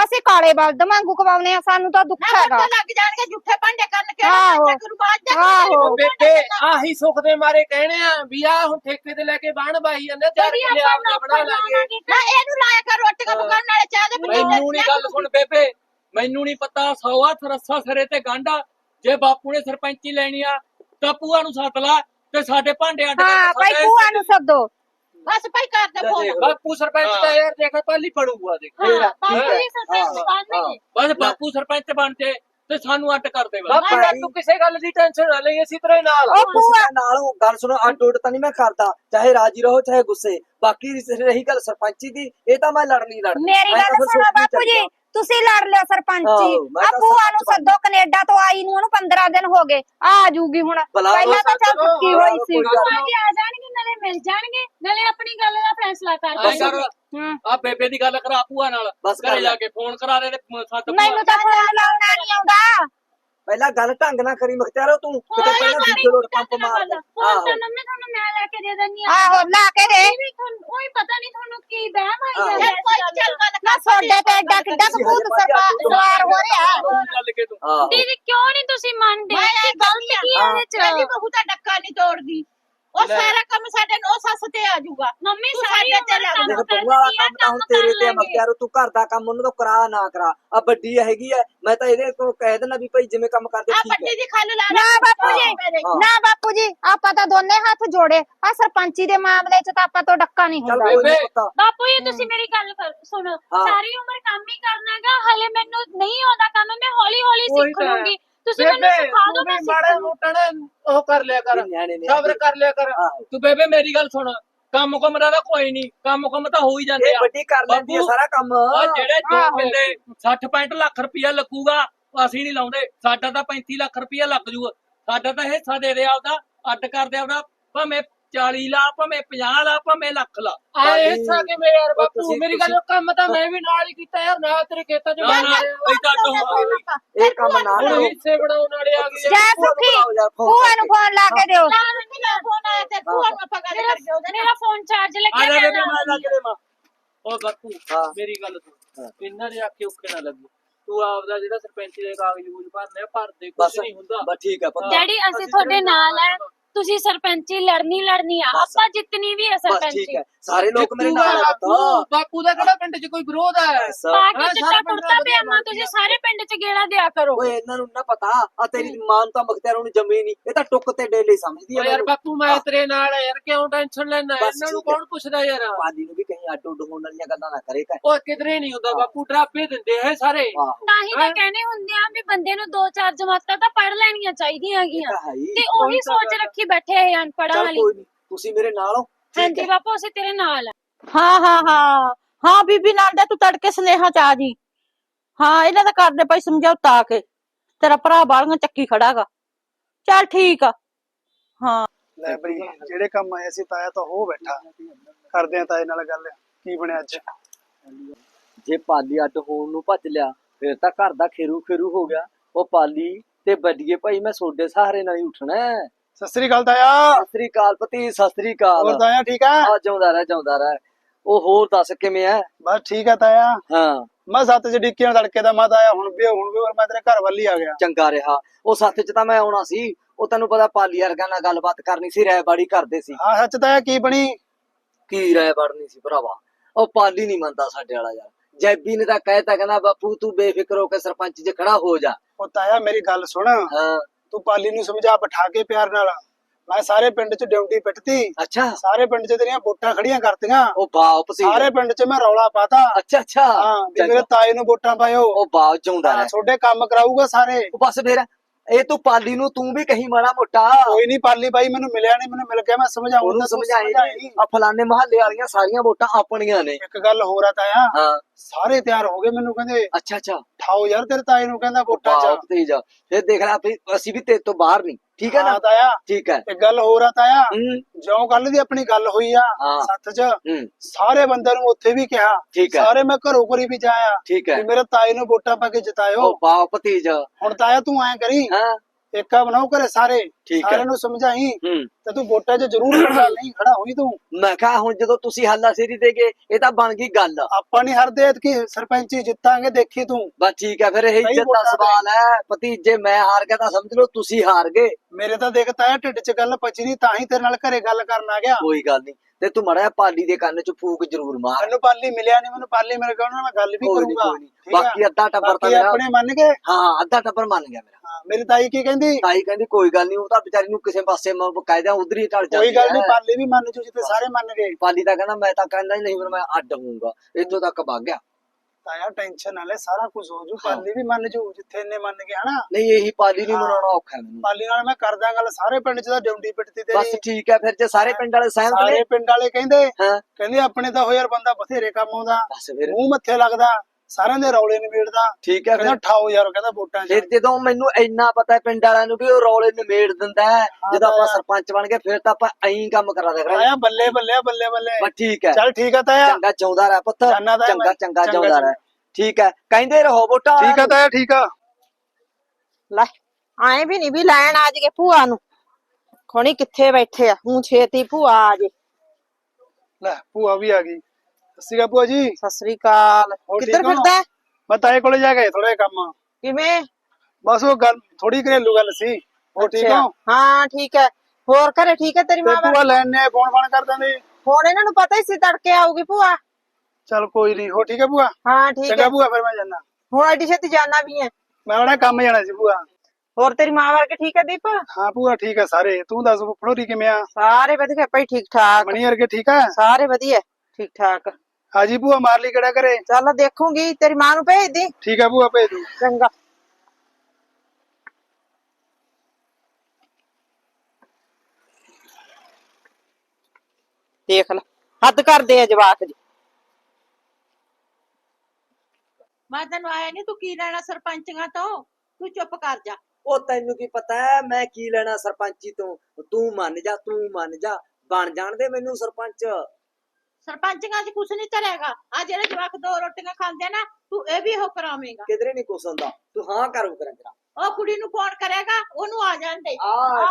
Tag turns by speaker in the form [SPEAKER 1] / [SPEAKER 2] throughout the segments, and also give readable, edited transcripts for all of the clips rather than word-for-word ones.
[SPEAKER 1] ਅਸੀਂ ਕਾਲੇ ਬਲਦ ਵਾਂਗੂ ਕਵਾਉਨੇ ਆ, ਸਾਨੂੰ ਤਾਂ ਦੁੱਖ ਹੈਗਾ।
[SPEAKER 2] ਲੱਗ ਜਾਣਗੇ ਜੁੱਠੇ ਭਾਂਡੇ ਕਰਨ
[SPEAKER 1] ਆਹੋ।
[SPEAKER 2] ਕਿਹੜਾ ਗੁਰੂ ਬਾਦ
[SPEAKER 1] ਆਹੋ।
[SPEAKER 3] ਬੇਬੇ ਆਹੀ ਸੁੱਖ ਦੇ ਮਾਰੇ ਕਹਿਣੇ ਆ ਵੀ ਆ ਹੁਣ ਠੇਕੇ ਤੇ ਲੈ ਕੇ ਬਾਣ ਬਾਈ ਜਾਂਦੇ ਚਾਰ ਕਿੱਲੇ ਆਪਦੇ ਬਣਾ ਲਾਂਗੇ।
[SPEAKER 2] ਨਾ ਇਹਨੂੰ ਲਾਇਆ ਕਰ ਰੋਟੀਆਂ ਪਕਾਉਣ ਨਾਲੇ ਚਾਹ ਦੇ
[SPEAKER 3] ਮੈਨੂੰ ਨਹੀਂ ਗੱਲ ਸੁਣ ਬੇਬੇ, ਮੈਨੂੰ ਨਹੀਂ ਪਤਾ 100 ਹੱਥ ਰੱਸਾ ਸਿਰੇ ਤੇ ਗਾਂਢਾ। ਜੇ ਬਾਪੂ ਨੇ ਸਰਪੰਚੀ ਲੈਣੀ ਆ ਤਾਂ ਭੂਆ ਨੂੰ ਸੱਦ ਲਾ ਤੇ ਸਾਡੇ ਭਾਂਡੇ ਅੱਡ
[SPEAKER 1] ਹਾਂ ਭਾਈ ਭੂਆ ਨੂੰ ਸੱਦੋ।
[SPEAKER 2] ਬਸ ਭਾਈ ਕਰ ਦੇ ਫੋਨ।
[SPEAKER 3] ਬਾਪੂ ਸਰਪੰਚ ਦਾ ਯਾਰ ਦੇਖ ਪਹਿਲੀ ਪੜੂਗਾ ਦੇਖ ਬਸ ਬਾਪੂ ਸਰਪੰਚ ਬਣ ਜੇ ਤੇ ਸਾਨੂੰ ਅੱਡ ਕਰ ਦੇ ਬਸ ਤੂੰ ਕਿਸੇ ਗੱਲ ਦੀ ਟੈਨਸ਼ਨ ਨਾ ਲਈ, ਅਸੀਂ ਤੇਰੇ ਨਾਲ
[SPEAKER 1] ਉਹ ਭੂਆ
[SPEAKER 4] ਨਾਲ ਗੱਲ ਸੁਣੋ, ਅੱਡ ਉੱਡ ਤਾਂ ਨਹੀਂ ਮੈਂ ਕਰਦਾ, ਚਾਹੇ ਰਾਜੀ ਰਹੋ ਚਾਹੇ ਗੁੱਸੇ। ਬਾਕੀ ਰਹੀ ਗੱਲ ਸਰਪੰਚੀ ਦੀ, ਇਹ ਤਾਂ ਮੈਂ ਲੜਨੀ
[SPEAKER 1] ਮੇਰੀ ਗੱਲ ਸੁਣੋ ਬਾਪੂ ਜੀ, ਤੁਸੀਂ ਲੜ ਲਿਓ ਸਰਪੰਚੀ। ਆ ਭੂਆ ਨੂੰ ਸੱਦੋ, ਕੈਨੇਡਾ ਤੋਂ ਆਈ ਨੂੰ ਉਹਨੂੰ 15 ਦਿਨ ਹੋ ਗਏ, ਆ ਜੂਗੀ ਹੁਣ। ਪਹਿਲਾਂ ਤਾਂ ਚੱਲ ਸੁੱਕੀ ਹੋਈ ਸੀ।
[SPEAKER 2] ਆ ਜਾਣਗੇ ਨਾਲੇ ਮਿਲ ਜਾਣਗੇ ਨਾਲੇ ਆਪਣੀ ਗੱਲ ਦਾ ਫੈਸਲਾ ਕਰ
[SPEAKER 3] ਆ ਬੇਬੇ ਦੀ ਗੱਲ ਕਰਾ ਭੂਆ ਨਾਲ,
[SPEAKER 4] ਬਸ
[SPEAKER 3] ਘਰੇ ਜਾ ਕੇ ਫੋਨ ਕਰਾ ਦੇ ਤੇ ਸੱਦ
[SPEAKER 1] ਮੈਨੂੰ ਤਾਂ ਫੋਨ ਲਾਉਣਾ ਨਹੀਂ ਆਉਂਦਾ।
[SPEAKER 4] ਪਹਿਲਾਂ ਗੱਲ ਢੰਗ ਨਾ ਕਰੀ ਮੁਖਤਿਆਰੋ, ਤੂੰ ਕਿਤੇ ਪਹਿਲਾਂ ਦੂਜੇ ਲੋੜ ਪੰਪ ਮਾਰ ਦੇ।
[SPEAKER 2] ਫੋਨ ਤਾਂ ਮੰਮੀ ਤੁਹਾਨੂੰ ਮੈਂ ਲੈ ਕੇ ਦੇ ਦਿੰਦੀ ਆ।
[SPEAKER 1] ਆਹੋ ਲਾ ਕੇ ਦੇ।
[SPEAKER 2] ਉਹੀ ਪਤਾ ਨਹੀਂ ਤੁਹਾਨੂੰ ਕੀ ਬਹਿਮ ਆਈ ਜਾਂਦਾ।
[SPEAKER 1] ਨਾ ਸੋਡੇ ਤੇ ਐਡਾ ਕਿੱਡਾ ਕਬੂਤ ਸਵਾਰ ਹੋ ਰਿਹਾ।
[SPEAKER 3] ਚੱਲ ਕੇ ਤੂੰ
[SPEAKER 2] ਦੀਦੀ ਕਿਉਂ ਨਹੀਂ ਤੁਸੀਂ ਮੰਨਦੇ ਕਿ ਗਲਤ ਕੀ ਹੈ ਇਹਦੇ ਚ? ਮੇਰੀ ਬਹੂ ਤਾਂ ਡੱਕਾ ਨਹੀਂ ਤੋੜਦੀ, ਉਹ ਸਾਰਾ ਕੰਮ ਸਾਡੇ ਨੋ ਸੱਸ ਤੇ ਆ ਜਾਊਗਾ। ਮੰਮੀ ਸਾਰੇ ਚੱਲ
[SPEAKER 4] ਦੇਖ ਬਹੂਆ ਵਾਲਾ ਕੰਮ ਤਾਂ ਹੁਣ ਤੇਰੇ ਤੇ ਮੁਖਤਿਆਰੋ, ਤੂੰ ਘਰ ਦਾ ਕੰਮ ਉਹਨਾਂ ਤੋਂ ਕਰਾ ਨਾ ਕਰਾ। ਆ ਵੱਡੀ ਹੈਗੀ ਐ, ਮੈਂ ਤਾਂ ਇਹਦੇ ਕੋਲ ਕਹਿ ਦੇਣਾ ਵੀ ਭਾਈ ਜਿਵੇਂ ਕੰਮ ਕਰਦੇ ਠੀਕ
[SPEAKER 2] ਵੱਡੀ ਦੀ ਖੱਲ ਲਾ।
[SPEAKER 1] ਨਾ ਬਾਪੂ ਜੀ, ਨਾ ਬਾਪੂ ਜੀ, ਆਪਾਂ ਤਾਂ ਦੋਨੇ ਹੱਥ ਜੋੜੇ। ਆ ਸਰਪੰਚੀ ਦੇ ਮਾਮਲੇ 'ਚ ਤਾਂ ਆਪਾਂ ਤੋਂ ਡੱਕਾ ਨਹੀਂ ਹੁੰਦਾ।
[SPEAKER 2] ਬਾਪੂ ਜੀ ਤੁਸੀਂ ਮੇਰੀ ਗੱਲ ਸੁਣੋ, ਸਾਰੀ ਉਮਰ ਕੰਮ ਹੀ ਕਰਨਾਗਾ, ਹਲੇ ਮੈਨੂੰ ਨਹੀਂ ਆਉਂਦਾ ਕੰਮ, ਮੈਂ ਹੌਲੀ ਹੌਲੀ ਸਿੱਖ ਲੂੰਗੀ। ਤੁਸੀਂ ਮੈਨੂੰ ਸਿਖਾ ਦਿਓ, ਮੈਂ
[SPEAKER 3] ਮਾੜੇ ਮੋਟੇ ਉਹ ਕਰ ਲਿਆ ਕਰ, ਸਬਰ ਕਰ ਲਿਆ ਕਰ ਤੂੰ। ਬੇਬੇ ਮੇਰੀ ਗੱਲ ਸੁਣ, ਕੰਮ ਕੁਮ ਦਾ ਤਾਂ ਕੋਈ ਨਹੀਂ, ਕੰਮ ਤਾਂ ਹੋ ਹੀ ਜਾਂਦੇ ਆ।
[SPEAKER 4] ਵੱਡੀ ਕਰ ਲੈਂਦੀ ਆ ਸਾਰਾ ਕੰਮ।
[SPEAKER 3] ਜਿਹੜੇ ਦੋ ਬੰਦੇ 60-65 ਲੱਖ ਰੁਪਇਆ ਲੱਗੂਗਾ, ਅਸੀਂ ਨਹੀਂ ਲਾਉਂਦੇ। ਸਾਡਾ ਤਾਂ 35 ਲੱਖ ਰੁਪਇਆ ਲੱਗ ਜੂਗਾ। ਸਾਡਾ ਤਾਂ ਹਿੱਸਾ ਦੇ ਦੇ ਆਪਦਾ, ਅੱਡ ਕਰ ਦੇ ਆਪਦਾ, ਭਾਵੇਂ 40 ਲਾ ਭਾਵੇਂ 50 ਲਾ ਭਾਵੇਂ ਲੱਖ ਲਾ। ਆਏ ਹਿੱਸਾ ਕਿਵੇਂ ਯਾਰ ਬਾਪੂ, ਮੇਰੀ ਗੱਲ ਕੰਮ ਤਾਂ ਮੈਂ ਵੀ ਨਾਲ ਹੀ ਕੀਤਾ ਯਾਰ, ਨਾਲ ਤੇਰੇ ਖੇਤਾਂ 'ਚ
[SPEAKER 4] ਇਹ ਕੰਮ ਨਾਲ
[SPEAKER 3] ਹਿੱਸੇ ਬਣਾਉਣ ਵਾਲੇ ਆ ਗਏ।
[SPEAKER 1] ਜੈ ਸੁਖੀ, ਭੂਆ ਨੂੰ ਫੋਨ ਲਾ ਕੇ ਦਿਓ।
[SPEAKER 2] ਫੋਨ ਆਇਆ ਤੇ ਭੂਆ ਨੂੰ ਆਪਾਂ ਗੱਲ ਕਰ ਦਿਓ। ਮੇਰਾ ਫੋਨ ਚਾਰਜ ਲੱਗਿਆ
[SPEAKER 3] ਪਿਆ। ਉਹ ਬਾਪੂ ਮੇਰੀ ਗੱਲ ਸੁਣ, ਇਹਨਾਂ ਦੇ ਆਖੇ ਔਖੇ ਨਾ ਲੱਗੀ। ਤੂੰ ਆਪਦਾ ਜਿਹੜਾ ਸਰਪੰਚੀ ਦੇ ਕਾਗਜ਼ ਭਰਨੇ ਭਰ ਦੇ, ਕੁਝ ਨਹੀਂ ਹੁੰਦਾ।
[SPEAKER 4] ਬਸ ਠੀਕ ਆ
[SPEAKER 2] ਡੈਡੀ ਅਸੀਂ ਤੁਹਾਡੇ ਨਾਲ ਆ, ਤੁਸੀਂ ਸਰਪੰਚੀ ਲੜਨੀ ਆ, ਆਪਾਂ ਜਿੱਤਨੀ ਵੀ ਹੈ ਸਰਪੰਚੀ।
[SPEAKER 4] ਸਾਰੇ ਲੋਕ ਮੇਰੇ ਨਾਲ ਆ।
[SPEAKER 3] ਬਾਪੂ ਦਾ ਕਿਹੜਾ ਪਿੰਡ 'ਚ ਕੋਈ ਵਿਰੋਧ ਹੈ?
[SPEAKER 2] ਪਾ ਕੇ ਚਿੱਟਾ ਕੁੜਤਾ ਪਜਾਮਾ ਤੁਸੀਂ ਸਾਰੇ ਪਿੰਡ 'ਚ ਗੇੜਾ ਦਿਆ ਕਰੋ।
[SPEAKER 4] ਓਏ ਇਹਨਾਂ ਨੂੰ ਨਾ ਪਤਾ, ਆ ਤੇਰੀ ਮਾਂ ਤਾਂ ਮੁਖਤਿਆਰੋਂ ਨੂੰ ਜੰਮੀ ਨਹੀਂ, ਇਹ ਤਾਂ ਟੁੱਕ ਤੇ ਡੇਲੇ ਸਮਝਦੀ ਆ।
[SPEAKER 3] ਯਾਰ ਬਾਪੂ ਮੈਂ ਤੇਰੇ ਨਾਲ ਆ ਯਾਰ, ਕਿਉਂ ਟੈਨਸ਼ਨ ਲੈਣਾ? ਇਹਨਾਂ ਨੂੰ ਕੌਣ ਪੁੱਛਦਾ ਯਾਰ?
[SPEAKER 4] ਪਾਲੀ ਨੂੰ ਵੀ ਕਹੀਂ ਅੱਡ ਉੱਡ ਹੋਣ ਵਾਲੀਆਂ ਗੱਲਾਂ ਨਾ ਕਰੇ।
[SPEAKER 3] ਉਹ ਕਿਧਰੇ ਨਹੀਂ ਹੁੰਦਾ ਬਾਪੂ, ਡਰਾਪੇ ਦਿੰਦੇ ਐ ਸਾਰੇ।
[SPEAKER 2] ਤਾਂ ਹੀ ਤਾਂ ਕਹਿੰਦੇ ਹੁੰਦੇ ਆ ਵੀ ਬੰਦੇ ਨੂੰ 2-4 ਜਮਾਤਾਂ ਤਾਂ ਪੜ੍ਹ ਲੈਣੀਆਂ ਚਾਹੀਦੀਆਂ ਹੈਗੀਆਂ, ਤੇ ਉਹੀ ਸੋਚ ਰੱਖੀ ਬੈਠੇ ਇਹ ਅਨਪੜ੍ਹਾਂ ਵਾਲੀ।
[SPEAKER 4] ਤੁਸੀਂ ਮੇਰੇ ਨਾਲ ਹੋ?
[SPEAKER 2] ਹਾਂਜੀ ਬਾਪੂ ਅਸੀਂ ਤੇਰੇ ਨਾਲ ਆ।
[SPEAKER 5] ਹਾਂ ਬੀਬੀ ਨਾਂਦਾ, ਤੂੰ ਤੜਕੇ ਸੁਨੇਹਾ ਚ ਆ ਜੀ। ਹਾਂ ਇਹਨਾਂ ਦਾ ਕਰਦੇ ਭਾਈ ਸਮਝੌਤਾ ਆ ਕੇ, ਤੇਰਾ ਭਰਾ ਬਾਲੀਆਂ ਚੱਕੀ ਖੜਾਗਾ। ਚੱਲ ਠੀਕ ਆ। ਹਾਂ
[SPEAKER 6] ਲੈ ਬਈ ਜਿਹੜੇ ਕੰਮ ਆਏ ਸੀ ਤਾਇਆ ਤਾਂ ਹੋ ਬੈਠਾ, ਕਰਦੇ ਆ ਤਾਏ ਨਾਲ ਗੱਲ। ਕੀ ਬਣਿਆ ਅੱਜ?
[SPEAKER 4] ਜੇ ਪਾਲੀ ਅੱਡ ਹੋਣ ਨੂੰ ਭੱਜ ਲਿਆ ਫਿਰ ਤਾਂ ਘਰ ਦਾ ਖੇਰੂ ਹੋ ਗਿਆ। ਉਹ ਪਾਲੀ ਤੇ ਵੱਡੀਏ ਭਾਈ, ਮੈਂ ਸੋਡੇ ਸਹਾਰੇ ਨਾਲ ਹੀ ਉੱਠਣਾ।
[SPEAKER 6] ਸਤਿ ਸ੍ਰੀ ਅਕਾਲ ਤਾਇਆ।
[SPEAKER 4] ਸਤਿ ਸ੍ਰੀ ਅਕਾਲ ਪਤੀ, ਸਤਿ ਸ੍ਰੀ ਅਕਾਲ।
[SPEAKER 6] ਹੋਰ ਤਾਇਆ ਠੀਕ ਆ?
[SPEAKER 4] ਜਿਉਂਦਾ ਰਹਿ। ਉਹ ਹੋਰ ਦੱਸ ਕਿਵੇਂ ਆ?
[SPEAKER 6] ਬਸ ਠੀਕ ਆ ਤਾਇਆ।
[SPEAKER 4] ਹਾਂ
[SPEAKER 6] ਮੈਂ ਸੱਤ ਚ ਡਿੱਕੀਆਂ ਤੜਕੇ ਦਾ, ਮੈਂ ਤਾਇਆ ਹੁਣ ਵੀ ਮੈਂ ਤੇਰੇ ਘਰ ਵੱਲ ਹੀ ਆ ਗਿਆ।
[SPEAKER 4] ਚੰਗਾ ਰਿਹਾ। ਉਹ ਸੱਤ ਚ ਤਾਂ ਮੈਂ ਆਉਣਾ ਸੀ, ਉਹ ਤੈਨੂੰ ਪਤਾ ਪਾਲੀ ਵਰਗਾ ਨਾਲ ਗੱਲਬਾਤ ਕਰਨੀ ਸੀ, ਰਾਇਬਾੜੀ ਕਰਦੇ ਸੀ।
[SPEAKER 6] ਹਾਂ ਸੱਚ ਤਾਇਆ, ਕੀ ਬਣੀ?
[SPEAKER 4] ਕੀ ਰਾਇਬਾੜਨੀ ਸੀ ਭਰਾਵਾ, ਉਹ ਪਾਲੀ ਨਹੀਂ ਮੰਨਦਾ ਸਾਡੇ ਵਾਲਾ ਯਾਰ। ਜੈਬੀ ਨੇ ਤਾਂ ਕਹਿਤਾ, ਕਹਿੰਦਾ ਬਾਪੂ ਤੂੰ ਬੇਫਿਕਰ ਹੋ ਕੇ ਸਰਪੰਚ ਚ ਖੜਾ ਹੋ ਜਾ।
[SPEAKER 6] ਉਹ ਤਾਇਆ ਮੇਰੀ ਗੱਲ ਸੁਣ,
[SPEAKER 4] ਹਾਂ
[SPEAKER 6] ਤੂੰ ਪਾਲੀ ਨੂੰ ਸਮਝਾ ਬਿਠਾ ਕੇ ਪਿਆਰ ਨਾਲ। ਮੈਂ ਸਾਰੇ ਪਿੰਡ ਚ ਡਿਊਟੀ ਪਿੱਟਤੀ।
[SPEAKER 4] ਅੱਛਾ।
[SPEAKER 6] ਸਾਰੇ ਪਿੰਡ ਚ ਤੇਰੀਆਂ ਵੋਟਾਂ ਖੜੀਆਂ ਕਰਤੀਆਂ।
[SPEAKER 4] ਉਹ ਬਾਪ ਸੀ।
[SPEAKER 6] ਸਾਰੇ ਪਿੰਡ ਚ ਮੈਂ ਰੌਲਾ ਪਾਤਾ।
[SPEAKER 4] ਅੱਛਾ
[SPEAKER 6] ਹਾਂ ਵੀ ਮੇਰੇ ਤਾਏ ਨੂੰ ਵੋਟਾਂ ਪਾਇਓ।
[SPEAKER 4] ਉਹ ਬਾਪ ਜਿਉਂਦਾ ਰਹਿ।
[SPEAKER 6] ਤੁਹਾਡੇ ਕੰਮ ਕਰਾਊਗਾ ਸਾਰੇ।
[SPEAKER 4] ਬਸ ਫਿਰ ਇਹ ਤੂੰ ਪਾਲੀ ਨੂੰ ਤੂੰ ਵੀ ਕਹੀਂ ਮਾੜਾ ਮੋਟਾ।
[SPEAKER 6] ਕੋਈ ਨਹੀਂ ਪਾਲੀ ਬਾਈ ਮੈਨੂੰ ਮਿਲਿਆ ਨਹੀਂ, ਮੈਨੂੰ ਮਿਲ ਗਿਆ, ਮੈਂ ਸਮਝਾਉਂਦਾ।
[SPEAKER 4] ਸਮਝਾਈ ਆ ਫਲਾਣੇ ਮਹੱਲੇ ਵਾਲੀਆਂ ਸਾਰੀਆਂ ਵੋਟਾਂ ਆਪਣੀਆਂ ਨੇ।
[SPEAKER 6] ਇੱਕ ਗੱਲ ਹੋਰ ਆ ਤਾਇਆ,
[SPEAKER 4] ਹਾਂ
[SPEAKER 6] ਸਾਰੇ ਤਿਆਰ ਹੋ ਗਏ, ਮੈਨੂੰ ਕਹਿੰਦੇ
[SPEAKER 4] ਅੱਛਾ
[SPEAKER 6] ਠਾਓ ਯਾਰ ਤੇਰੇ ਤਾਏ ਨੂੰ, ਕਹਿੰਦਾ ਵੋਟਾਂ ਚ
[SPEAKER 4] ਤੇਜ। ਫਿਰ ਦੇਖ ਲੈ ਅਸੀਂ ਵੀ ਤੇਰੇ ਤੋਂ ਬਾਹਰ ਨਹੀਂ, ਠੀਕ ਹੈ ਨਾ
[SPEAKER 6] ਤਾਇਆ?
[SPEAKER 4] ਠੀਕ ਹੈ।
[SPEAKER 6] ਇੱਕ ਗੱਲ ਹੋਰ ਆ ਤਾਇਆ, ਜੋ ਕੱਲ ਦੀ ਆਪਣੀ ਗੱਲ ਹੋਈ ਆ ਸੱਤ ਚ, ਸਾਰੇ ਬੰਦਿਆਂ ਨੂੰ ਉੱਥੇ ਵੀ ਕਿਹਾ, ਸਾਰੇ ਮੈਂ ਘਰੋਂ ਘਰੀ ਵੀ ਜਾਇਆ,
[SPEAKER 4] ਠੀਕ ਹੈ,
[SPEAKER 6] ਮੇਰੇ ਤਾਏ ਨੂੰ ਵੋਟਾਂ ਪਾ ਕੇ ਜਿਤਾਇਓ।
[SPEAKER 4] ਬਾਪ ਭਤੀਜ।
[SPEAKER 6] ਹੁਣ ਤਾਇਆ ਤੂੰ ਐਂ ਕਰੀ, ਏਕਾ ਬਣਾਓ ਘਰੇ ਸਾਰੇ
[SPEAKER 4] ਠੀਕ ਹੈ।
[SPEAKER 6] ਸਾਰਿਆਂ ਨੂੰ ਸਮਝਾਈ
[SPEAKER 4] ਹੂੰ
[SPEAKER 6] ਤੇ ਤੂੰ ਵੋਟਾਂ 'ਚ ਜ਼ਰੂਰ ਖੜਾ ਨਹੀਂ ਖੜਾ ਹੋਈ ਤੂੰ।
[SPEAKER 4] ਮੈਂ ਕਿਹਾ ਹੁਣ ਜਦੋਂ ਤੁਸੀਂ ਹੱਲਾਸ਼ੇਰੀ ਦੇ ਗਏ ਇਹ ਤਾਂ ਬਣ ਗਈ ਗੱਲ।
[SPEAKER 6] ਆਪਾਂ ਨਹੀਂ ਹਰਦੇ ਕਿ ਸਰਪੰਚੀ ਜਿੱਤਾਂਗੇ ਦੇਖੀ ਤੂੰ।
[SPEAKER 4] ਬਸ ਠੀਕ ਹੈ ਫਿਰ ਇਹ
[SPEAKER 6] ਕਈ
[SPEAKER 4] ਇੱਜ਼ਤ ਦਾ
[SPEAKER 6] ਵੋਟਾਂ ਤੇ।
[SPEAKER 4] ਸਵਾਲ ਹੈ ਭਤੀਜੇ, ਮੈਂ ਹਾਰ ਗਿਆ ਤਾਂ ਸਮਝ ਲਓ ਤੁਸੀਂ ਹਾਰ ਗਏ।
[SPEAKER 6] ਮੇਰੇ ਤਾਂ ਦੇਖਤਾ ਹੈ ਢਿੱਡ 'ਚ ਗੱਲ ਪਚੀ ਨਹੀਂ ਤਾਂ ਹੀ ਤੇਰੇ ਨਾਲ ਘਰੇ ਗੱਲ ਕਰਨ ਆ ਗਿਆ।
[SPEAKER 4] ਕੋਈ ਗੱਲ ਨਹੀਂ ਤੇ ਤੂੰ ਮੜਾ ਪਾਲੀ ਦੇ ਕੰਨ 'ਚ ਫੂਕ ਜ਼ਰੂਰ ਮਾਰ।
[SPEAKER 6] ਮੈਨੂੰ ਪਾਲੀ ਮਿਲਿਆ ਨਹੀਂ, ਮੈਨੂੰ ਪਾਲੀ ਮਿਲ ਗਿਆ ਉਹਨਾਂ ਨਾਲ ਮੈਂ ਗੱਲ ਵੀ
[SPEAKER 4] ਕੋਈ ਨੀ,
[SPEAKER 6] ਕਰੂੰਗਾ।
[SPEAKER 4] ਕੋਈ ਨੀ।
[SPEAKER 6] ਠੀਕ ਆ?
[SPEAKER 4] ਬਾਕੀ ਅੱਧਾ ਟੱਬਰ ਤਾਂ
[SPEAKER 6] ਬਾਕੀ
[SPEAKER 4] ਮੇਰਾ
[SPEAKER 6] ਆਪਣੇ ਮੰਨ ਗਏ।
[SPEAKER 4] ਹਾਂ ਅੱਧਾ ਟੱਬਰ ਮੰਨ ਗਿਆ ਮੇਰਾ।
[SPEAKER 6] ਹਾਂ, ਮੇਰੀ ਤਾਈ ਕੀ ਕਹਿੰਦੀ?
[SPEAKER 4] ਤਾਈ ਕਹਿੰਦੀ ਕੋਈ ਗੱਲ ਨਹੀਂ, ਉਹ ਤਾਂ ਵਿਚਾਰੀ ਨੂੰ ਕਿਸੇ ਪਾਸੇ ਮੈਂ ਕਾਇਦਾ ਉਧਰ ਹੀ ਢਲ ਜਾਂਦੀ
[SPEAKER 6] ਕੋਈ ਗੱਲ ਨਹੀਂ,
[SPEAKER 4] ਹੈ।
[SPEAKER 6] ਪਾਲੀ ਵੀ ਮੰਨ ਜੂ ਜਿੱਤੇ ਸਾਰੇ ਮੰਨ ਗਏ।
[SPEAKER 4] ਪਾਲੀ ਤਾਂ ਕਹਿੰਦਾ ਮੈਂ ਤਾਂ ਕਹਿੰਦਾ ਹੀ ਨਹੀਂ ਫਿਰ ਮੈਂ ਅੱਡ ਹੋਊਂਗਾ, ਇੱਥੋਂ ਤੱਕ ਵਗ ਗਿਆ।
[SPEAKER 6] ਤਾਇਆ ਟੈਨਸ਼ਨ ਨਾ ਲੈ, ਸਾਰਾ ਕੁਝ ਹੋ ਜੂ। ਪਾਲੀ ਵੀ ਮੰਨ ਜੂ ਜਿੱਥੇ ਇਹਨੇ ਮੰਨ ਗਏ ਹਨਾ।
[SPEAKER 4] ਨਹੀਂ ਇਹੀ ਪਾਲੀ ਨਹੀਂ ਮਨਾਉਣਾ ਔਖਾ ਹੈ ਮੈਨੂੰ।
[SPEAKER 6] ਪਾਲੀ ਨਾਲ ਮੈਂ ਕਰਦਾ ਗੱਲ, ਸਾਰੇ ਪਿੰਡ 'ਚ ਤਾਂ ਡਿਊਟੀ ਪਿੱਟਦੀ
[SPEAKER 4] ਬਸ
[SPEAKER 6] ਤੇਰੀ।
[SPEAKER 4] ਠੀਕ ਹੈ ਫਿਰ ਜੇ ਸਾਰੇ ਪਿੰਡ ਵਾਲੇ ਸਹਿਮਤ
[SPEAKER 6] ਸਾਰੇ
[SPEAKER 4] ਨੇ।
[SPEAKER 6] ਪਿੰਡ ਵਾਲੇ ਕਹਿੰਦੇ
[SPEAKER 4] ਹਾਂ
[SPEAKER 6] ਆਪਣੇ ਤਾਂ ਹੋ ਯਾਰ ਬੰਦਾ ਬਥੇਰੇ ਕੰਮ ਆਉਂਦਾ,
[SPEAKER 4] ਬਸ ਫਿਰ
[SPEAKER 6] ਮੂੰਹ ਮੱਥੇ ਲੱਗਦਾ, ਸਾਰਿਆਂ ਦੇ ਰੌਲੇ ਨਿਬੇੜਦਾ।
[SPEAKER 4] ਠੀਕ ਹੈ
[SPEAKER 6] ਕਹਿੰਦਾ
[SPEAKER 4] ਫਿਰ।
[SPEAKER 6] ਠਾਓ ਯਾਰ, ਕਹਿੰਦਾ ਵੋਟਾਂ 'ਚ।
[SPEAKER 4] ਫਿਰ ਜਦੋਂ ਮੈਨੂੰ ਇੰਨਾ ਪਤਾ ਹੈ ਪਿੰਡ ਵਾਲਿਆਂ ਨੂੰ ਵੀ ਉਹ ਰੌਲੇ ਨਿਮੇੜ ਦਿੰਦਾ ਹੈ, ਜਦੋਂ ਆਪਾਂ ਸਰਪੰਚ ਬਣ ਗਏ ਫਿਰ ਤਾਂ ਆਪਾਂ ਐਂ ਕੰਮ ਕਰਾ ਦਿਆ ਕਰਾਂਗੇ।
[SPEAKER 6] ਤਾਇਆ ਬੱਲੇ ਬੱਲੇ ਬੱਲੇ ਬੱਲੇ।
[SPEAKER 4] ਬਸ ਠੀਕ ਹੈ,
[SPEAKER 6] ਚੱਲ ਠੀਕ ਹੈ ਤਾਇਆ।
[SPEAKER 4] ਚੰਗਾ ਚਾਹੁੰਦਾ ਰਹਿ ਪੁੱਤ,
[SPEAKER 6] ਜਾਨਾ ਤਾਇਆ
[SPEAKER 4] ਚੰਗਾ
[SPEAKER 6] ਮੈਂ।
[SPEAKER 4] ਚੰਗਾ
[SPEAKER 6] ਚੰਗਾ,
[SPEAKER 4] ਚਾਹੁੰਦਾ ਰਹਿ। ਠੀਕ ਹੈ, ਕਹਿੰਦੇ ਰਹੋ ਵੋਟਾਂ।
[SPEAKER 6] ਠੀਕ ਹੈ ਤਾਇਆ, ਠੀਕ ਆ।
[SPEAKER 5] ਲੈ ਆਏ ਵੀ ਨਹੀਂ ਵੀ ਲੈਣ ਆ ਜਗੇ ਭੂਆ ਨੂੰ, ਖੋਣੀ ਕਿੱਥੇ ਬੈਠੇ ਆ, ਹੂੰ ਛੇਤੀ ਭੂਆ ਆ ਜੇ।
[SPEAKER 6] ਲੈ ਭੂਆ ਵੀ ਆ ਗਈ। ਸਤਿ ਸ਼੍ਰੀ ਅਕਾਲ ਭੂਆ ਜੀ।
[SPEAKER 5] ਸਤਿ ਸ੍ਰੀ ਅਕਾਲ।
[SPEAKER 6] ਹੋਰ
[SPEAKER 5] ਕਿੱਧਰ
[SPEAKER 6] ਠੀਕ ਹੋ?
[SPEAKER 5] ਫਿਰਦਾ ਹੈ?
[SPEAKER 6] ਮੈਂ ਤਾਏ ਕੋਲੇ ਜਾ ਕੇ ਥੋੜਾ ਕੰਮ।
[SPEAKER 5] ਕਿਵੇਂ?
[SPEAKER 6] ਬਸ ਉਹ ਗੱਲ ਥੋੜੀ ਘਰੇਲੂ ਗੱਲ ਸੀ। ਹੋਰ ਠੀਕ
[SPEAKER 5] ਅੱਛਾ,
[SPEAKER 6] ਹੋ?
[SPEAKER 5] ਹਾਂ ਠੀਕ ਹੈ। ਹੋਰ ਘਰੇ ਠੀਕ ਹੈ ਤੇਰੀ
[SPEAKER 6] ਤੇ
[SPEAKER 5] ਮਾਂ?
[SPEAKER 6] ਭੂਆ ਲੈਣ ਨੇ ਫੋਨ ਫਾਨ ਕਰ ਦਿੰਦੀ।
[SPEAKER 5] ਹੁਣ ਇਹਨਾਂ ਨੂੰ ਪਤਾ ਹੀ ਸੀ ਤੜਕੇ ਆਊਗੀ ਭੂਆ।
[SPEAKER 6] ਚੱਲ ਕੋਈ ਨਹੀਂ। ਹੋ ਠੀਕ ਹੈ ਭੂਆ?
[SPEAKER 5] ਹਾਂ ਠੀਕ
[SPEAKER 6] ਚੰਗਾ
[SPEAKER 5] ਹੈ।
[SPEAKER 6] ਭੂਆ, ਫਿਰ ਮੈਂ ਜਾਣਾ।
[SPEAKER 5] ਹੁਣ ਐਡੀ ਛੇਤੀ ਜਾਣਾ ਵੀ ਹੈ?
[SPEAKER 6] ਮੈਂ ਉਹਦਾ ਕੰਮ ਜਾਣਾ ਸੀ ਭੂਆ।
[SPEAKER 5] ਹੋਰ ਤੇਰੀ ਮਾਂ ਵਰਗੇ ਠੀਕ ਹੈ ਦੀਪ?
[SPEAKER 6] ਹਾਂ ਭੂਆ ਠੀਕ ਹੈ ਸਾਰੇ। ਤੂੰ ਦੱਸ ਫੜੋਰੀ ਕਿਵੇਂ ਆ?
[SPEAKER 5] ਸਾਰੇ ਵਧੀਆ ਭਾਈ, ਠੀਕ ਠਾਕ।
[SPEAKER 6] ਮਣੀ ਵਰਗੇ ਠੀਕ ਆ?
[SPEAKER 5] ਸਾਰੇ ਵਧੀਆ ਠੀਕ ਠਾਕ।
[SPEAKER 6] ਹਾਜੀ ਭੂਆ ਮਾਰ ਲਈ ਕਿਹੜਾ ਕਰੇ।
[SPEAKER 5] ਚੱਲ ਦੇਖੂੰਗੀ, ਤੇਰੀ ਮਾਂ ਨੂੰ ਭੇਜ ਦੀ।
[SPEAKER 6] ਠੀਕ ਆ ਭੂਆ, ਭੇਜ ਦੂੰ।
[SPEAKER 5] ਚੰਗਾ। ਦੇਖ ਲੈ ਹੱਦ ਕਰਦੇ ਆ ਜਵਾਕ ਜੀ।
[SPEAKER 2] ਮੈਂ ਤੈਨੂੰ ਆਇਆ ਨਹੀਂ, ਤੂੰ ਕੀ ਲੈਣਾ ਸਰਪੰਚੀਆਂ ਤੋਂ? ਤੂੰ ਚੁੱਪ ਕਰ ਜਾ।
[SPEAKER 4] ਉਹ ਤੈਨੂੰ ਕੀ ਪਤਾ ਹੈ ਮੈਂ ਕੀ ਲੈਣਾ ਸਰਪੰਚੀ ਤੋਂ? ਤੂੰ ਮੰਨ ਜਾ, ਤੂੰ ਮੰਨ ਜਾ, ਬਣ ਜਾਣ ਦੇ ਮੈਨੂੰ ਸਰਪੰਚ।
[SPEAKER 2] ਸਰਪੰਚੀਆਂ 'ਚ ਕੁਛ ਨਹੀਂ ਧਰੇਗਾ। ਆ ਜਿਹੜੇ ਜਵਾਕ ਦੋ ਰੋਟੀਆਂ ਖਾਂਦੇ ਨਾ, ਤੂੰ ਇਹ ਵੀ ਹੋ ਕਰਾਵੇਂਗਾ।
[SPEAKER 4] ਕਿਧਰੇ ਨਹੀਂ ਕੁਛ ਹੁੰਦਾ, ਤੂੰ ਹਾਂ ਕਰੂ ਕਰਾਂ।
[SPEAKER 2] ਉਹ ਕੁੜੀ ਨੂੰ ਫੋਨ ਕਰੇਗਾ, ਉਹਨੂੰ ਆ ਜਾਣ ਦੇ।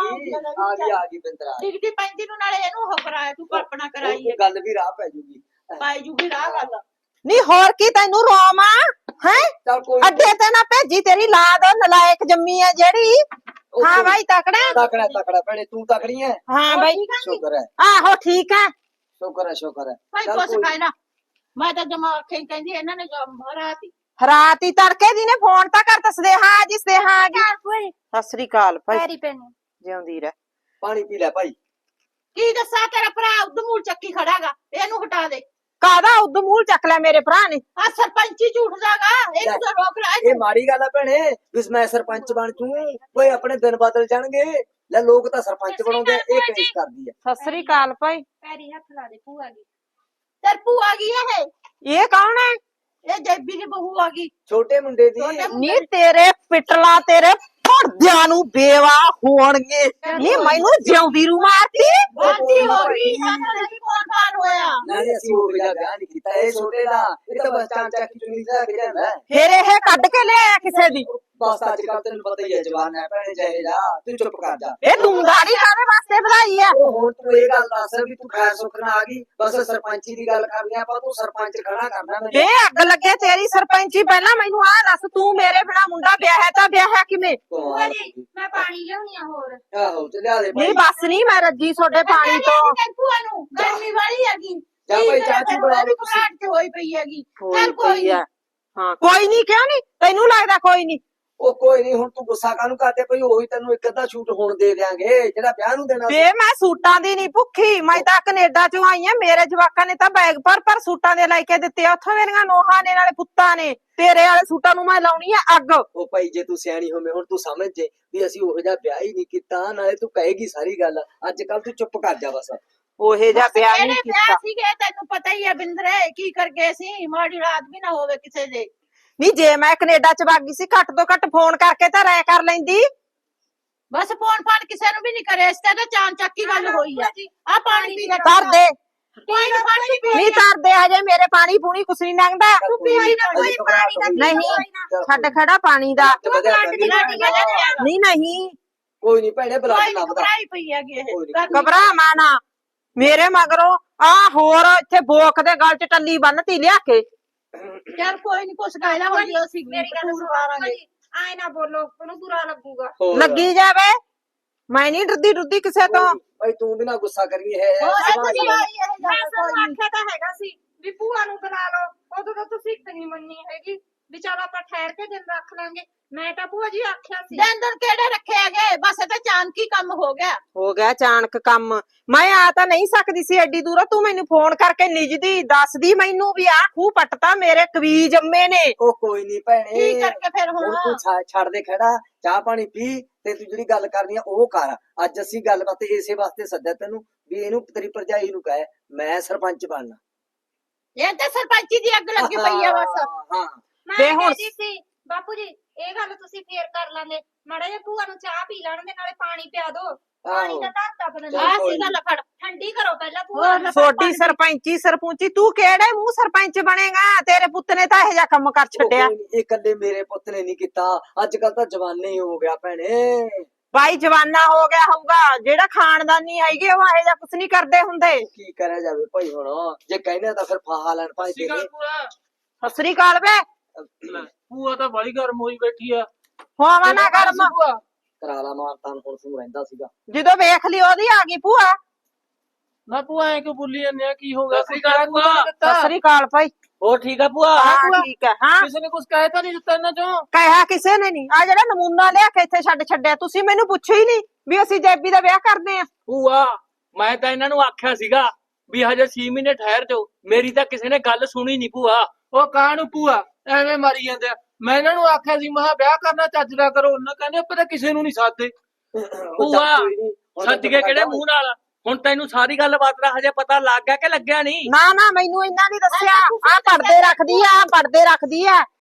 [SPEAKER 4] ਆ ਗਈ ਬਿੰਦਰਾ।
[SPEAKER 2] ਡਿਗਦੀ ਪੈਂਦੀ ਨੂੰ ਨਾਲੇ ਇਹਨੂੰ ਹੋ ਕਰਾਇਆ, ਤੂੰ ਕਲਪਨਾ ਕਰਾਈ ਹੈ।
[SPEAKER 4] ਗੱਲ ਵੀ ਰਾਹ ਪੈ ਜੂਗੀ।
[SPEAKER 2] ਪਾਈ ਜੂਗੀ ਰਾਹ ਗੱਲ।
[SPEAKER 5] ਨਹੀਂ ਹੋਰ ਕੀ ਤੈਨੂੰ ਰੋਮਾ ਹੈ?
[SPEAKER 4] ਚੱਲ ਕੋਈ
[SPEAKER 5] ਅੱਡੇ ਤੇ ਨਾ ਭੇਜੀ, ਤੇਰੀ ਲਾਦ ਨਲਾਇਕ ਜੰਮੀ ਹੈ ਜਿਹੜੀ। ਹਾਂ ਬਾਈ ਤਕੜਾ
[SPEAKER 4] ਤਕੜਾ ਤਕੜਾ ਭੈਣੇ, ਤੂੰ ਤਕੜੀ ਹੈ।
[SPEAKER 5] ਹਾਂ ਬਾਈ
[SPEAKER 4] ਸ਼ੁਕਰ ਹੈ,
[SPEAKER 5] ਆਹੋ ਠੀਕ ਹੈ।
[SPEAKER 4] ਸ਼ੁਕਰ ਹੈ, ਸ਼ੁਕਰ ਹੈ।
[SPEAKER 2] ਭਾਈ
[SPEAKER 4] ਚੱਲ
[SPEAKER 2] ਕੁਛ
[SPEAKER 4] ਕੋਈ-
[SPEAKER 2] ਖਾਏ ਨਾ। ਮੈਂ ਤਾਂ ਜਮਾ ਅੱਖੇ ਕਹਿੰਦੀ ਇਹਨਾਂ ਨੇ ਰਾਤੀ
[SPEAKER 5] ਰਾਤ ਹੀ ਤੜਕੇ ਦੀ ਨੇ ਫੋਨ ਤਾਂ ਕਰ ਦੱਸਦੇ। ਹਾਂ ਜੀ ਸਦੇਹਾ ਆ ਗਈ।
[SPEAKER 1] ਭੂਆ
[SPEAKER 5] ਸਤਿ ਸ੍ਰੀ ਅਕਾਲ ਭਾਈ,
[SPEAKER 1] ਪੈਰੀ ਪੈਣੀ।
[SPEAKER 5] ਜਿਉਂਦੀ ਰਹਿ।
[SPEAKER 4] ਪਾਣੀ ਪੀ ਲੈ ਭਾਈ।
[SPEAKER 2] ਕੀ ਦੱਸਾਂ, ਤੇਰਾ ਭਰਾ ਉਦਮੂਲ ਚੱਕੀ ਖੜਾਗਾ, ਇਹਨੂੰ ਹਟਾ ਦੇ।
[SPEAKER 5] ਕਾਹਦਾ ਉਦਮੂਲ ਚੱਕ ਲਿਆ ਮੇਰੇ ਭਰਾ ਨੇ?
[SPEAKER 2] ਆ ਸਰਪੰਚੀ ਝੂਠਦਾਗਾ, ਇਹਨੂੰ ਤਾਂ ਰੋਕ ਲੈ।
[SPEAKER 4] ਇਹ ਮਾੜੀ ਗੱਲ ਹੈ ਭੈਣੇ, ਵੀ ਮੈਂ ਸਰਪੰਚ ਬਣ ਜੂ, ਓਏ ਆਪਣੇ ਦਿਨ ਬਦਲ ਜਾਣਗੇ। ਲੈ ਲੋਕ ਤਾਂ ਸਰਪੰਚ ਬਣਾਉਂਦੇ, ਇਹ ਪੇਸ਼ ਕਰਦੀ ਹੈ।
[SPEAKER 5] ਸਤਿ ਸ੍ਰੀ ਅਕਾਲ ਭਾਈ।
[SPEAKER 1] ਪੈਰੀ ਹੱਥ ਲਾ ਦੇ ਭੂਆ ਦੀ।
[SPEAKER 2] ਤੇਰ ਭੂਆ ਆ ਗਈ ਇਹ।
[SPEAKER 5] ਇਹ ਕੌਣ ਹੈ?
[SPEAKER 2] ਇਹ ਜੈਬੀ ਦੀ ਬਹੂ ਆ ਗਈ।
[SPEAKER 4] ਛੋਟੇ ਮੁੰਡੇ ਦੀ।
[SPEAKER 5] ਨੀ ਤੇਰੇ ਪਿਟਲਾ ਤੇਰੇ ਭੜਦਿਆਂ ਨੂੰ ਬੇਵਾ ਹੋਣਗੇ। ਨੀ ਮੈਨੂੰ ਜਿਉਂਦੀ ਰੂ ਮਾਰਤੀ।
[SPEAKER 2] ਬਾਤੀ ਹੋ ਗਈ, ਸਾਨੂੰ ਨਹੀਂ ਕੌਣ ਹੋਇਆ।
[SPEAKER 4] ਨਹੀਂ ਅਸੀਂ ਉਹ ਜਿਹਾ ਵਿਆਹ ਨਹੀਂ ਕੀਤਾ, ਇਹ ਛੋਟੇ ਦਾ। ਇਹ ਤਾਂ ਬਸ ਚਾਂਚਾ ਕੀ ਚੁੰਨੀ ਦਾ ਕੇ ਜਾਂਦਾ ਹੈ।
[SPEAKER 5] ਫਿਰ ਇਹ ਕੱਢ ਕੇ ਲਿਆਇਆ ਕਿਸੇ ਦੀ।
[SPEAKER 4] ਬਸ ਅੱਜ ਕੱਲ ਤੈਨੂੰ ਪਤਾ ਹੀ ਹੈ ਜਵਾਨ ਹੈ ਭੈਣੇ, ਚਾਹੇ ਜਾ ਤੂੰ ਚੁੱਪ ਕਰ ਜਾ।
[SPEAKER 5] ਇਹ ਤੂੰ ਗਾੜੀ ਕਾਹਦੇ ਵਾਸਤੇ ਵਧਾਈ ਆ?
[SPEAKER 4] ਉਹ ਹੁਣ ਤੂੰ ਇਹ ਗੱਲ ਦੱਸ ਵੀ ਤੂੰ ਖੈਰ ਸੁੱਖ ਨਾਲ ਆ ਗਈ, ਬਸ ਸਰਪੰਚੀ ਦੀ ਗੱਲ ਕਰਨੀ ਆਪਾਂ, ਤੂੰ ਸਰਪੰਚ ਖੜਾ ਕਰਨਾ ਮੈਨੂੰ।
[SPEAKER 5] ਇਹ ਅੱਗ ਲੱਗੇ ਤੇਰੀ ਸਰਪੰਚੀ। ਪਹਿਲਾਂ ਮੈਨੂੰ ਆਹ ਦੱਸ, ਤੂੰ ਮੇਰੇ ਬਿਨਾ ਮੁੰਡਾ ਵਿਆਹਿਆ ਤਾਂ ਵਿਆਹਿਆ ਕਿਵੇਂ?
[SPEAKER 1] ਭੂਆ ਜੀ ਮੈਂ ਪਾਣੀ ਲਿਆਉਣੀ ਆ ਹੋਰ।
[SPEAKER 4] ਆਹੋ ਤੇ ਲਿਆ ਦੇ
[SPEAKER 5] ਨਹੀਂ ਬਸ ਨਹੀਂ, ਮੈਂ ਰੱਜੀ ਤੁਹਾਡੇ ਪਾਣੀ ਤੋਂ।
[SPEAKER 2] ਭੂਆ ਨੂੰ ਗਰਮੀ ਵਾਲੀ ਹੈਗੀ।
[SPEAKER 4] ਜਾ ਭਾਈ ਚਾਹ ਚੂਹ ਬਣਾ ਲਓ ਤੁਸੀਂ।
[SPEAKER 2] ਘਬਰਾਹਟ ਚ ਹੋਈ ਪਈ ਹੈਗੀ।
[SPEAKER 5] ਹੋਈ
[SPEAKER 2] ਚੱਲ ਕੋਈ
[SPEAKER 5] ਪਈ ਆ। ਹਾਂ ਕੋਈ ਨਹੀਂ, ਕਿਉਂ ਨਹੀਂ? ਤੈਨੂੰ ਲੱਗਦਾ ਕੋਈ ਨਹੀਂ?
[SPEAKER 4] ਉਹ ਕੋਈ ਨਹੀਂ, ਹੁਣ ਤੂੰ ਗੁੱਸਾ ਕਾਹਨੂੰ ਕਰਦੇ ਪਈ? ਉਹੀ ਤੈਨੂੰ ਇੱਕ ਅੱਧਾ ਸ਼ੂਟ ਹੁਣ ਦੇ ਦਿਆਂਗੇ ਜਿਹੜਾ ਵਿਆਹ ਨੂੰ ਦੇਣਾ ਸੀ।
[SPEAKER 5] ਵੇ ਮੈਂ ਸੂਟਾਂ ਦੀ ਨਹੀਂ ਭੁੱਖੀ, ਮੈਂ ਤਾਂ ਕੈਨੇਡਾ ਚੋਂ ਆਈ ਆ। ਮੇਰੇ ਜਵਾਕਾਂ ਨੇ ਤਾਂ ਬੈਗ ਪਰ ਸੂਟਾਂ ਦੇ ਲੈ ਕੇ ਦਿੱਤੇ ਆ ਉੱਥੋਂ, ਮੇਰੀਆਂ ਨੋਹਾਂ ਨੇ ਨਾਲੇ ਪੁੱਤਾਂ ਨੇ। ਤੇਰੇ ਵਾਲੇ ਸੂਟਾਂ ਨੂੰ ਮੈਂ ਲਾਉਣੀ ਆ ਅੱਗ।
[SPEAKER 4] ਉਹ ਭਾਈ ਜੇ ਤੂੰ ਸਿਆਣੀ ਹੋਵੇਂ, ਹੁਣ ਤੂੰ ਸਮਝ ਜੇ ਵੀ ਅਸੀਂ ਉਹੋ ਜਿਹਾ ਵਿਆਹ ਹੀ ਨਹੀਂ ਕੀਤਾ, ਨਾਲੇ ਤੂੰ ਕਹੇਗੀ ਸਾਰੀ ਗੱਲ। ਅੱਜ ਕੱਲ ਤੂੰ ਚੁੱਪ ਕਰ ਜਾ ਬਸ।
[SPEAKER 5] ਉਹੇ ਜਿਹਾ ਵਿਆਹ
[SPEAKER 2] ਇਹਨੇ
[SPEAKER 5] ਨਹੀਂ
[SPEAKER 2] ਵਿਆਹ
[SPEAKER 5] ਕੀਤਾ।
[SPEAKER 2] ਸੀਗੇ, ਤੈਨੂੰ ਪਤਾ ਹੀ ਹੈ ਬਿੰਦਰੇ ਕੀ ਕਰ ਗਏ ਸੀ। ਮਾੜੀ ਰਾਤ ਵੀ ਨਾ ਹੋਵੇ ਕਿਸੇ ਦੇ।
[SPEAKER 5] ਨਹੀਂ ਜੇ ਮੈਂ ਕੈਨੇਡਾ ਚ ਵਗ ਗਈ ਸੀ, ਘੱਟ ਤੋਂ ਘੱਟ ਫੋਨ ਕਰਕੇ ਤਾਂ ਰਾਇ ਕਰ ਲੈਂਦੀ।
[SPEAKER 2] ਬਸ ਫੋਨ ਫਾਨ ਕਿਸੇ ਨੂੰ ਵੀ ਨਹੀਂ ਕਰਿਆ, ਇਸ ਤੇ ਤਾਂ ਚਾਂ ਚੱਕੀ ਗੱਲ ਹੋਈ ਆ। ਆ ਪਾਣੀ ਪੀ ਲੈ।
[SPEAKER 5] ਧਰ ਦੇ।
[SPEAKER 2] ਪਾਣੀ ਪੀ
[SPEAKER 5] ਨਹੀਂ ਧਰਦੇ ਹਜੇ ਮੇਰੇ ਪਾਣੀ ਪੂਣੀ ਕੁਛ ਨਹੀਂ ਲੰਘਦਾ।
[SPEAKER 2] ਕੋਈ ਪਾਣੀ ਦਾ
[SPEAKER 5] ਨਹੀਂ ਛੱਡ ਖੜਾ ਪਾਣੀ ਦਾ।
[SPEAKER 4] ਵਧੀਆ
[SPEAKER 5] ਨਹੀਂ ਨਹੀਂ
[SPEAKER 4] ਕੋਈ ਨਹੀਂ ਭੈਣੇ ਬੁਲਾ
[SPEAKER 5] ਕੋਈ
[SPEAKER 4] ਕੇ
[SPEAKER 5] ਨੀ
[SPEAKER 4] ਲੱਭਦਾ
[SPEAKER 5] ਘਬਰਾਈ ਪਈ ਹੈਗੀ ਇਹ
[SPEAKER 4] ਕੋਈ ਨੀ।
[SPEAKER 5] ਘਬਰਾ ਮਾਣਾ ਮੇਰੇ ਮਗਰੋਂ ਆ ਹੋਰ ਇੱਥੇ ਬੋਕ ਦੇ ਗਲ 'ਚ ਟੱਲੀ ਬੰਨਤੀ ਲਿਆ ਕੇ
[SPEAKER 2] ਚੱਲ ਕੋਈ ਨੀ ਕੁਛ ਕਹਿਣਾ ਹੋਈ ਅਸੀਂ
[SPEAKER 1] ਮੇਰੀ ਗੱਲ ਸੁਣੋ ਬਾਪੂ ਜੀ ਆਏ ਨਾ ਬੋਲੋ ਉਹਨੂੰ ਬੁਰਾ ਲੱਗੂਗਾ
[SPEAKER 4] ਹੋਰ।
[SPEAKER 5] ਲੱਗੀ ਜਾਵੇ ਮੈਂ ਨਹੀਂ ਡਰਦੀ ਕਿਸੇ ਤੋਂ
[SPEAKER 4] ਭਾਈ ਤੂੰ ਵੀ ਨਾ ਗੁੱਸਾ ਕਰੀ ਹੈ
[SPEAKER 2] ਹੋਰ ਕੁਝ
[SPEAKER 1] ਮੈਂ ਤੁਹਾਨੂੰ ਆਖਿਆ ਤਾਂ ਹੈਗਾ ਸੀ ਵੀ ਭੂਆ ਨੂੰ ਬੁਲਾ ਲਓ ਉਦੋਂ ਤਾਂ ਤੁਸੀਂ ਇੱਕ ਨਹੀਂ ਮੰਨੀ ਹੈਗੀ ਵੀ ਚਲ ਆਪਾਂ ਠਹਿਰ ਕੇ ਦਿਨ ਰੱਖ ਲਾਂਗੇ ਮੈਂ ਤਾਂ ਭੂਆ ਜੀ ਆਖਿਆ ਸੀ
[SPEAKER 2] ਦਿਨ ਕਿਹੜੇ ਰੱਖੇ ਹੈਗੇ ਬਸ ਇਹ ਤਾਂ ਚਾਨਕੀ ਕੰਮ ਹੋ ਗਿਆ
[SPEAKER 5] ਹੋ ਗਿਆ ਅਚਾਨਕ ਕੰਮ ਮੈਂ ਆ ਤਾਂ ਨਹੀਂ ਸਕਦੀ ਸੀ ਐਡੀ ਦੂਰੋਂ ਤੂੰ ਮੈਨੂੰ ਫੋਨ ਕਰਕੇ ਨਿਜਦੀ ਦੱਸਦੀ ਮੈਨੂੰ ਵੀ ਆ ਖੂਹ ਪੱਟਤਾ ਮੇਰੇ ਕਵੀ ਜੰਮੇ ਨੇ
[SPEAKER 4] ਉਹ ਕੋਈ ਨਹੀਂ ਭੈਣੇ
[SPEAKER 2] ਕੀ ਕਰਕੇ ਫਿਰ
[SPEAKER 4] ਹੁਣ
[SPEAKER 2] ਹੁਣ
[SPEAKER 4] ਤੂੰ ਛੱਡ ਦੇ ਖੜਾ ਚਾਹ ਪਾਣੀ ਪੀ ਤੇ ਤੂੰ ਜਿਹੜੀ ਗੱਲ ਕਰਨੀ ਆ ਉਹ ਕਰ ਅੱਜ ਅਸੀਂ ਗੱਲਬਾਤ ਇਸੇ ਵਾਸਤੇ ਸੱਦਿਆ ਤੈਨੂੰ ਵੀ ਇਹਨੂੰ ਤੇਰੀ ਭਰਜਾਈ ਨੂੰ ਕਹੇ ਮੈਂ ਸਰਪੰਚ ਬਣਨਾ
[SPEAKER 2] ਇਹ ਤਾਂ ਸਰਪੰਚੀ ਦੀ ਅੱਗ ਲੱਗੀ ਪਈ ਆ ਬਸ
[SPEAKER 4] ਹਾਂ
[SPEAKER 1] ਮੈਂ
[SPEAKER 5] ਤੇ ਹੁਣ-
[SPEAKER 1] ਕਹਿੰਦੀ ਸੀ ਬਾਪੂ ਜੀ ਇਹ ਗੱਲ ਤੁਸੀਂ ਫੇਰ ਕਰ ਲਾਂਗੇ ਮਾੜਾ ਜਿਹਾ ਭੂਆ ਨੂੰ ਚਾਹ ਪੀ ਲੈਣ ਦੇ ਨਾਲੇ ਪਾਣੀ ਪਿਆ ਦੋ ਪਾਣੀ ਦਾ ਧਰਤਾ ਬਦਲ
[SPEAKER 2] ਆਹ ਸੀ ਗੱਲ ਫੜ
[SPEAKER 1] ਠੰਡੀ ਕਰੋ ਪਹਿਲਾਂ ਭੂਆ ਨੂੰ
[SPEAKER 5] ਛੋਟੀ ਸਰਪੰਚੀ ਸਰਪੰਚੀ ਤੂੰ ਕਿਹੜੇ ਮੂੰਹ ਸਰਪੰਚ ਬਣੇਗਾ ਤੇਰੇ ਪੁੱਤ ਨੇ ਤਾਂ ਇਹ ਜਿਹਾ ਕੰਮ ਕਰ ਛੱਡਿਆ
[SPEAKER 4] ਇਹ ਇਕੱਲੇ ਮੇਰੇ ਪੁੱਤ ਨੇ ਨਹੀਂ ਕੀਤਾ ਅੱਜ ਕੱਲ ਤਾਂ ਜਵਾਨੇ ਹੀ ਹੋ ਗਿਆ ਭੈਣੇ
[SPEAKER 5] ਬਾਈ ਜਵਾਨਾ ਹੋ ਗਿਆ ਹੋਊਗਾ ਜਿਹੜਾ ਖਾਨਦਾਨੀ ਹੈਗੇ ਉਹ ਇਹ ਜਿਹਾ ਕੁਛ ਨਹੀਂ ਕਰਦੇ ਹੁੰਦੇ
[SPEAKER 4] ਕੀ ਕਰਿਆ ਜਾਵੇ ਭਾਈ ਹੁਣ ਜੇ ਕਹਿੰਦੇ ਤਾਂ ਫਿਰ ਫਾਹਾ ਲੈਣ ਭਾਈ
[SPEAKER 3] ਸਤਿ ਸ਼੍ਰੀ
[SPEAKER 4] ਤੇਰੇ
[SPEAKER 3] ਅਕਾਲ ਭੂਆ।
[SPEAKER 5] ਸਤਿ ਸ੍ਰੀ ਅਕਾਲ ਵੇ
[SPEAKER 3] ਲੈ, ਭੂਆ ਤਾਂ ਬੜੀ ਗਰਮ ਹੋਈ ਬੈਠੀ ਆ
[SPEAKER 5] ਹੋਵਾ ਨਾ ਗਰਮ
[SPEAKER 3] ਭੂਆ
[SPEAKER 4] ਕਰਾਲਾ ਮਾਰਤਾ ਹੁਣ ਤੂੰ ਰਹਿੰਦਾ ਸੀਗਾ
[SPEAKER 5] ਜਦੋਂ ਵੇਖ ਲਈ ਉਹਦੀ ਆ ਗਈ ਭੂਆ
[SPEAKER 3] ਨਾ ਭੂਆ ਐ ਕਿਉਂ ਬੋਲੀ ਜਾਂਦੇ ਆ ਕੀ ਹੋ ਗਿਆ ਸਤਿ ਸ਼੍ਰੀ ਅਕਾਲ ਭੂਆ
[SPEAKER 5] ਸਤਿ ਸ੍ਰੀ ਅਕਾਲ ਭਾਈ
[SPEAKER 3] ਹੋਰ ਠੀਕ ਆ ਭੂਆ
[SPEAKER 5] ਹਾਂ ਠੀਕ ਹੈ ਹਾਂ
[SPEAKER 3] ਕਿਸੇ ਨੇ ਕੁਝ ਕਹਿ ਤਾਂ ਨਹੀਂ ਦਿੱਤਾ ਇਹਨਾਂ ਚੋਂ
[SPEAKER 5] ਕਹਿਆ ਕਿਸੇ ਨੇ ਨਹੀਂ ਆ ਜਿਹੜਾ ਨਮੂਨਾ ਲਿਆ ਕੇ ਇੱਥੇ ਛੱਡਿਆ ਤੁਸੀਂ ਮੈਨੂੰ ਪੁੱਛਿਆ ਹੀ ਨਹੀਂ ਵੀ ਅਸੀਂ ਜੈਬੀ ਦਾ ਵਿਆਹ ਕਰਦੇ ਆ
[SPEAKER 3] ਭੂਆ ਮੈਂ ਤਾਂ ਇਹਨਾਂ ਨੂੰ ਆਖਿਆ ਸੀਗਾ ਵੀ ਹਜੇ 6 ਮਹੀਨੇ ਠਹਿਰ ਜਾਓ ਮੇਰੀ ਤਾਂ ਕਿਸੇ ਨੇ ਗੱਲ ਸੁਣੀ ਨਹੀਂ ਭੂਆ ਉਹ ਕਾਹਨੂੰ ਭੂਆ ਐਵੇਂ ਮਾਰੀ ਜਾਂਦੇ ਆ ਮੈਂ ਇਹਨਾਂ ਨੂੰ ਆਖਿਆ ਸੀ ਮਹਾ ਵਿਆਹ ਕਰਨਾ ਚੱਜ ਦਾ ਕਰੋ ਉਹਨਾਂ ਕਹਿੰਦੇ ਆਪਾਂ ਤਾਂ ਕਿਸੇ ਨੂੰ ਨਹੀਂ ਸਾਧਦੇ ਭੂਆ ਸੱਜ ਕੇ ਕਿਹੜੇ ਮੂੰਹ ਨਾਲ ਹੁਣ ਤੈਨੂੰ ਸਾਰੀ ਗੱਲ ਬਾਤ ਦਾ ਹਜੇ ਪਤਾ ਲੱਗ ਗਿਆ ਕਿ ਲੱਗਿਆ ਨਹੀਂ
[SPEAKER 5] ਨਾ ਨਾ ਮੈਨੂੰ ਇੰਨਾ ਨਹੀਂ ਦੱਸਿਆ ਆ ਪਰਦੇ ਰੱਖਦੀ ਆ